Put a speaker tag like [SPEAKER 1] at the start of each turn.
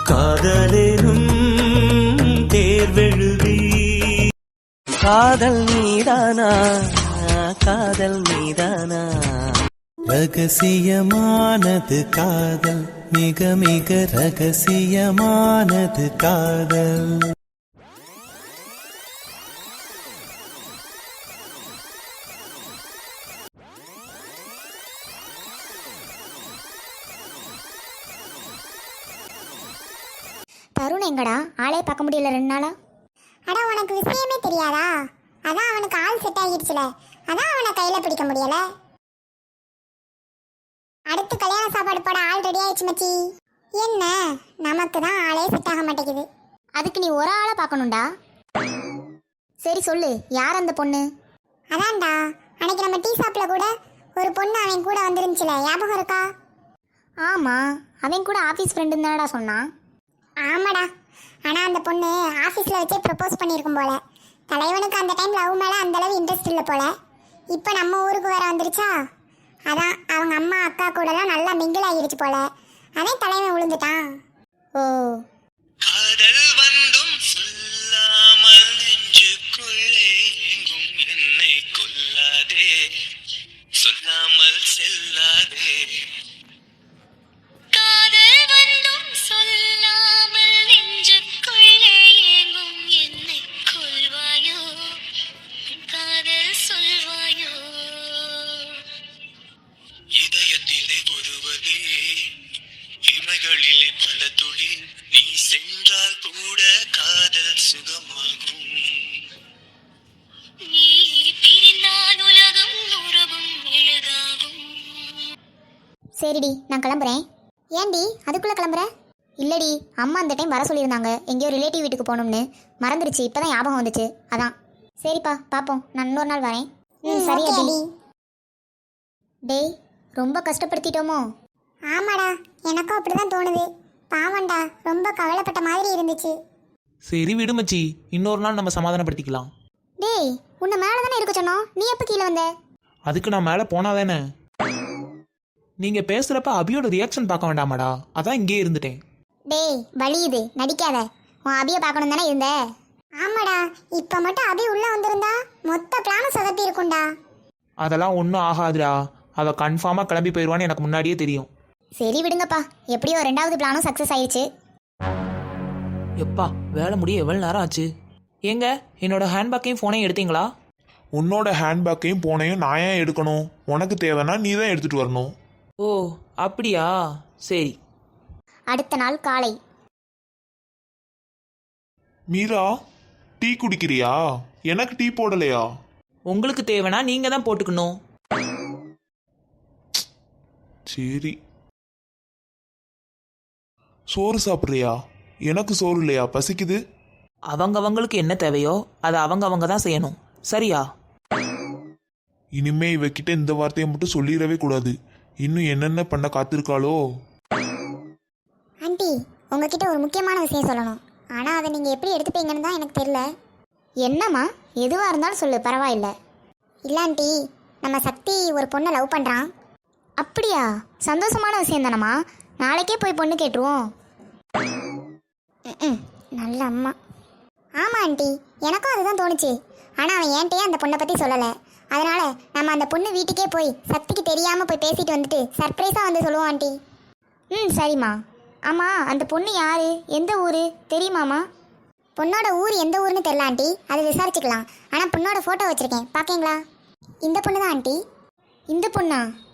[SPEAKER 1] காதலேனும் தேர்வெழுதி காதல் மீதானா காதல் மீதானா ரகசியமானது காதல் மிக மிக ரகசியமானது காதல்.
[SPEAKER 2] தருண் எங்கடா? ஆளே பார்க்க முடியல 2 நாளா.
[SPEAKER 3] அட உனக்கு விஷயமே தெரியாதா? அதான் அவனுக்கு ஆள் செட் ஆகிடுச்சுல, அதான் அவனை கையில பிடிக்க முடியல. அடுத்து கல்யாண சாப்பாடு போட ஆள் ரெடி ஆயிடுச்சு மச்சி. என்ன நமக்கு தான் ஆளே செட் ஆக மாட்டேங்குது.
[SPEAKER 2] அதுக்கு நீ ஒரு ஆளை பார்க்கணும்டா. சரி சொல்லு, யார் அந்த பொண்ணு?
[SPEAKER 3] அதான்டா, அன்னைக்கு நம்ம டீ ஷாப்ல கூட ஒரு பொண்ணு அவன் கூட வந்துருந்துச்சுல, ஞாபகம் இருக்கா?
[SPEAKER 2] ஆமா, அவன் கூட ஆஃபீஸ் ஃப்ரெண்டுன்னு தானடா சொன்னான்.
[SPEAKER 3] ஆமாடா, ஆனா அந்த பொண்ணு ஆஃபீஸில் வச்சே ப்ரப்போஸ் பண்ணியிருக்கும் போல. தலைவனுக்கு அந்த டைம் லவ் மேலே அந்த அளவு இன்ட்ரெஸ்ட் இல்லை போல. இப்போ நம்ம ஊருக்கு வேற வந்துருச்சா, அதான் அவங்க அம்மா அக்கா கூடலாம் நல்லா மிங்கிள் ஆகிருச்சு போல. அதான் தலைவன் விழுந்துட்டான்.
[SPEAKER 2] ஓ,
[SPEAKER 1] காதல் வந்தும் சொல்லாமல் நெஞ்சுக்குள்ளே எங்கும் என்னை கொல்லாதே, சொல்லாமல் செல்லாதே.
[SPEAKER 4] காதல் வந்தும் சொல்லாமல் நெஞ்சுக்குள்ளே எங்கும் என்னை கொல்வாயோ, காதல் சொல்வாயோ.
[SPEAKER 1] இதயத்திலே ஒருவரே, இமைகளிலே பல துளி, நீ சென்றால் கூட காதல் சுகமாகும்.
[SPEAKER 4] நீ பிரிந்தால் உலகம் உறவும் எழுதாகும்.
[SPEAKER 2] சரிடி, நான் கிளம்புறேன். ஏன்டி அதுக்குள்ளே கிளம்புற? இல்லடி, அம்மா அந்த டைம் வர சொல்லியிருந்தாங்க, எங்கேயோ ரிலேட்டிவ் வீட்டுக்கு போகணும்னு. மறந்துடுச்சு, இப்போ தான் ஞாபகம் வந்துச்சு, அதான். சரிப்பா, பார்ப்போம், நான் இன்னொரு நாள் வரேன். சரி
[SPEAKER 3] ஓகே
[SPEAKER 2] அடி.
[SPEAKER 3] அடி.
[SPEAKER 2] டேய், ரொம்ப கஷ்டப்படுத்திட்டோமோ?
[SPEAKER 3] ஆமாடா, எனக்கும் அப்படிதான் தோணுது. பாவண்டா, ரொம்ப கவலைப்பட்ட மாதிரி இருந்துச்சு.
[SPEAKER 5] சரி விடு மச்சி, இன்னொரு நாள் நம்ம சமாதானப்படுத்திக்கலாம்.
[SPEAKER 2] டேய், உன்னை மேலே தானே இருக்க சொன்னோம், நீ எப்போ கீழே வந்த?
[SPEAKER 5] அதுக்கு நான் மேலே போனாதானே. நீங்கள் பேசுகிறப்ப அபியோட ரியாக்ஷன் பார்க்க வேண்டாமாடா, அதான் இங்கேயே இருந்துட்டேன்.
[SPEAKER 2] டேய், வலியுது, நடிக்காத. உன் அபியை பார்க்கணும் தானே இருந்த.
[SPEAKER 3] ஆமாடா, இப்போ மட்டும் அபி உள்ள வந்திருந்தா மொத்த பிளானும் சொதப்பி இருக்கும்டா.
[SPEAKER 5] அதெல்லாம் ஒன்றும் ஆகாதுடா, அவள் கன்ஃபார்மாக கிளம்பி போயிடுவான்னு எனக்கு முன்னாடியே தெரியும்.
[SPEAKER 2] சரி விடுங்கப்பா, எப்படியோ 2வது பிளானும் சக்ஸஸ் ஆயிடுச்சு.
[SPEAKER 5] எப்பா வேலை முடிய எவ்வளோ நேரம் ஆச்சு? ஏங்க, என்னோட ஹேண்ட்பேக்கையும் ஃபோனையும் எடுத்தீங்களா?
[SPEAKER 6] உன்னோட ஹேண்ட்பேக்கையும் போனையும் நான் ஏன் எடுக்கணும்? உனக்கு தேவைன்னா நீ தான் எடுத்துகிட்டு வரணும்.
[SPEAKER 5] ஓ அப்படியா, சரி.
[SPEAKER 2] அடுத்த நாள் காலை.
[SPEAKER 6] மீரா, டீ குடிக்கிறியா? எனக்கு டீ போடலையா?
[SPEAKER 5] உங்களுக்கு தேவைன்னா நீங்கள் தான் போட்டுக்கணும்.
[SPEAKER 6] சரி. சோறு சாப்பிட்றியா? எனக்கு சோறு இல்லையா, பசிக்குது.
[SPEAKER 5] அவங்கவங்களுக்கு என்ன தேவையோ அதை அவங்க தான் செய்யணும், சரியா?
[SPEAKER 6] இனிமே இவகிட்ட இந்த வார்த்தையை மட்டும் சொல்லிடவே கூடாது. இன்னும் என்னென்ன பண்ண காத்திருக்காளோ.
[SPEAKER 3] ஆண்டி, உங்ககிட்ட ஒரு முக்கியமான விஷயம் சொல்லணும். ஆனால் அதை நீங்கள் எப்படி எடுத்துப்பீங்கன்னு தான் எனக்கு தெரியல.
[SPEAKER 2] என்னம்மா? எதுவாக இருந்தாலும் சொல்லு, பரவாயில்ல.
[SPEAKER 3] இல்லை ஆண்டி, நம்ம சக்தி ஒரு பொண்ணை லவ் பண்ணுறான்.
[SPEAKER 2] அப்படியா? சந்தோஷமான விஷயம் தானம்மா, நாளைக்கே போய் பொண்ணு கேட்டுருவோம்.
[SPEAKER 3] நல்ல அம்மா. ஆமாம் ஆண்டி, எனக்கும் அதுதான் தோணுச்சு. ஆனால் அவன் என்கிட்டயே அந்த பொண்ணை பற்றி சொல்லலை. அதனால் நம்ம அந்த பொண்ணு வீட்டுக்கே போய் சக்திக்கு தெரியாமல் போய் பேசிட்டு வந்துட்டு சர்ப்ரைஸாக வந்து சொல்லுவோம் ஆண்டி.
[SPEAKER 2] சரிம்மா. ஆமாம், அந்த பொண்ணு யாரு, எந்த ஊர் தெரியுமாம்மா?
[SPEAKER 3] பொண்ணோட ஊர் எந்த ஊர்னு தெரியல ஆண்டி, அது விசாரிச்சுக்கலாம். ஆனால் பொண்ணோட ஃபோட்டோ வச்சுருக்கேன், பார்க்கீங்களா? இந்த பொண்ணு தான் ஆண்டி.
[SPEAKER 2] இந்த பொண்ணா?